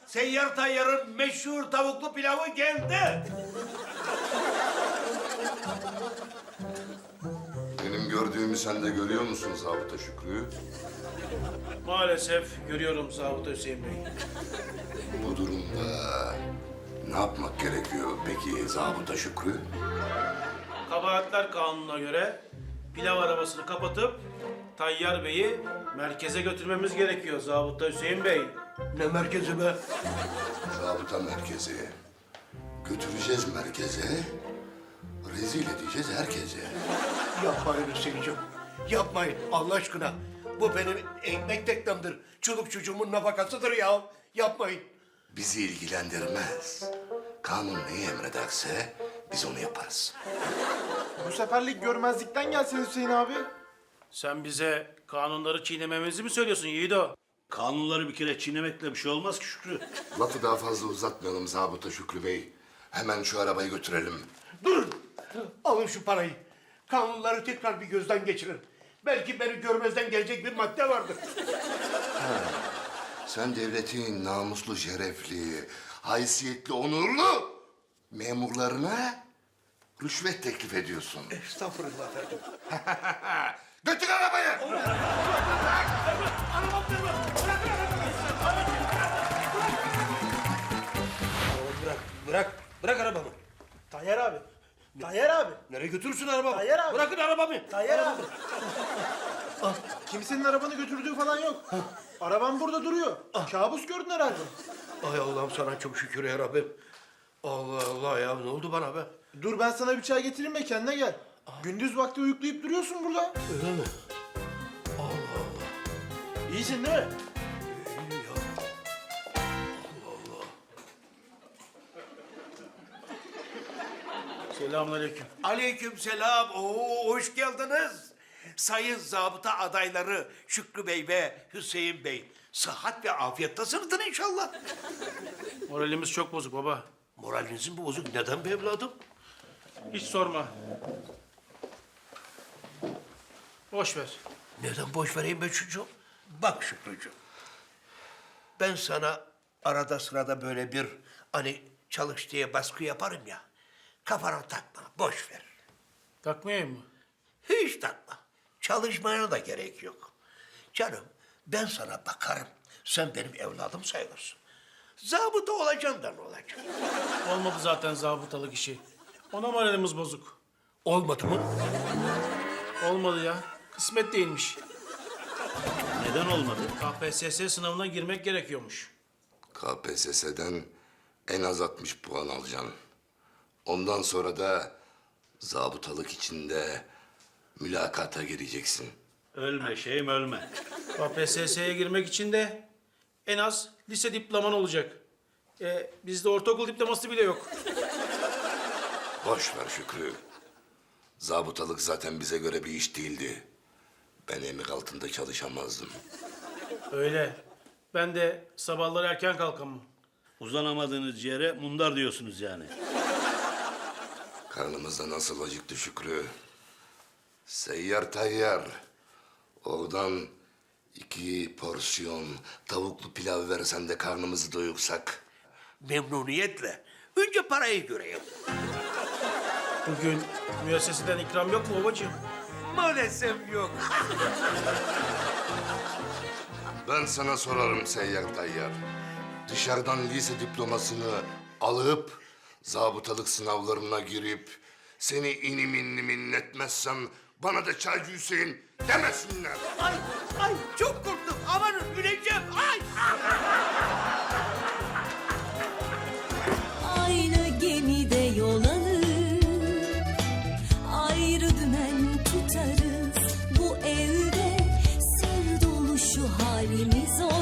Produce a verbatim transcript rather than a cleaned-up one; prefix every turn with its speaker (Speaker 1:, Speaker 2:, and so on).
Speaker 1: Seyyar Tayyar'ın meşhur tavuklu pilavı geldi.
Speaker 2: Benim gördüğümü sen de görüyor musun Zabıta Şükrü?
Speaker 3: Maalesef görüyorum Zabıta Hüseyin Bey.
Speaker 2: Bu durumda ne yapmak gerekiyor peki Zabıta Şükrü?
Speaker 3: Kabahatler kanununa göre pilav arabasını kapatıp Tayyar Bey'i merkeze götürmemiz gerekiyor Zabıta Hüseyin Bey.
Speaker 1: Ne merkezi be?
Speaker 2: Zabıta merkezi. Götüreceğiz merkeze. Rezil edeceğiz herkese.
Speaker 1: Yapmayın Hüseyin'cim. Yapmayın Allah aşkına. Bu benim ekmek teknemdir. Çoluk çocuğumun nafakasıdır ya. Yapmayın.
Speaker 2: Bizi ilgilendirmez. Kanun neyi emrederse biz onu yaparız.
Speaker 4: Bu seferlik görmezlikten gelse Hüseyin abi.
Speaker 3: Sen bize kanunları çiğnememizi mi söylüyorsun Yiğido?
Speaker 5: Kanunları bir kere çiğnemekle bir şey olmaz ki Şükrü.
Speaker 2: Lafı daha fazla uzatmayalım Zabıta Şükrü Bey. Hemen şu arabayı götürelim.
Speaker 1: Durun. Alın şu parayı. Kanunları tekrar bir gözden geçirin. Belki beni görmezden gelecek bir madde vardır.
Speaker 2: Sen devletin namuslu, şerefli, haysiyetli, onurlu memurlarına rüşvet teklif ediyorsun.
Speaker 1: Estağfurullah efendim.
Speaker 2: Götür arabayı!
Speaker 1: Bırak, bırak, bırak arabamı.
Speaker 4: Tayyar abi. Tayyar abi.
Speaker 1: Nereye götürürsün arabamı?
Speaker 4: Tayyar abi.
Speaker 1: Bırakın arabamı.
Speaker 4: Tayyar abi. Kimsenin arabanı götürdüğü falan yok. Araban burada duruyor. Kabus gördün herhalde.
Speaker 1: Ay Allah'ım sana çok şükür ya Rabbim. Allah Allah ya ne oldu bana be?
Speaker 4: Dur ben sana bir çay getireyim ve kendine gel. Gündüz vakti uyuklayıp duruyorsun burada.
Speaker 1: Öyle mi?
Speaker 4: İyisin değil mi?
Speaker 1: İyi ya.
Speaker 3: Selamünaleyküm.
Speaker 1: Aleyküm selam. Oo, hoş geldiniz. Sayın zabıta adayları Şükrü Bey ve Hüseyin Bey. Sıhhat ve afiyettasınızdır inşallah.
Speaker 3: Moralimiz çok bozuk baba.
Speaker 1: Moralinizin mi bozuk? Neden be evladım?
Speaker 3: Hiç sorma. Boş ver.
Speaker 1: Neden boş vereyim be çocuğum? Bak Şükrücüğüm. Ben sana arada sırada böyle bir hani çalış diye baskı yaparım ya. Kafana takma, boş ver.
Speaker 3: Takmayayım mı?
Speaker 1: Hiç takma. Çalışmaya da gerek yok. Canım ben sana bakarım. Sen benim evladım sayılırsın. Zabıta olacaksın da ne olacak?
Speaker 3: Olmadı zaten zabıtalık işi. Ona moralimiz bozuk.
Speaker 1: Olmadı mı?
Speaker 3: Olmadı ya. Kısmet değilmiş.
Speaker 5: Neden olmadı?
Speaker 3: K P S S sınavına girmek gerekiyormuş.
Speaker 2: K P S S'den en az altmış puan alacaksın. Ondan sonra da zabıtalık içinde mülakata gireceksin.
Speaker 5: Ölme şeyim ölme.
Speaker 3: K P S S'ye girmek için de en az lise diploman olacak. E, bizde ortaokul diploması bile yok.
Speaker 2: Boş ver Şükrü. Zabıtalık zaten bize göre bir iş değildi. Ben emir altında çalışamazdım.
Speaker 3: Öyle. Ben de sabahları erken kalkamam.
Speaker 5: Uzanamadığınız yere mundar diyorsunuz yani.
Speaker 2: Karnımız da nasıl acıktı Şükrü. Seyyar Tayyar. Oradan iki porsiyon tavuklu pilav versen de karnımızı doyursak.
Speaker 1: Memnuniyetle. Önce parayı göreyim.
Speaker 3: Bugün müesseseden ikram yok mu babacığım?
Speaker 1: Maalesef yok.
Speaker 2: Ben sana sorarım Seyyar Tayyar. Dışarıdan lise diplomasını alıp zabıtalık sınavlarına girip seni inim innim inletmezsem bana da Çaycı Hüseyin demesinler.
Speaker 1: Ay, ay çok korktum. Amanın öleceğim. Ay.
Speaker 6: Aynı gemide yol alır, ayrı dümen tutarız. Bu evde sır dolu şu halimiz o.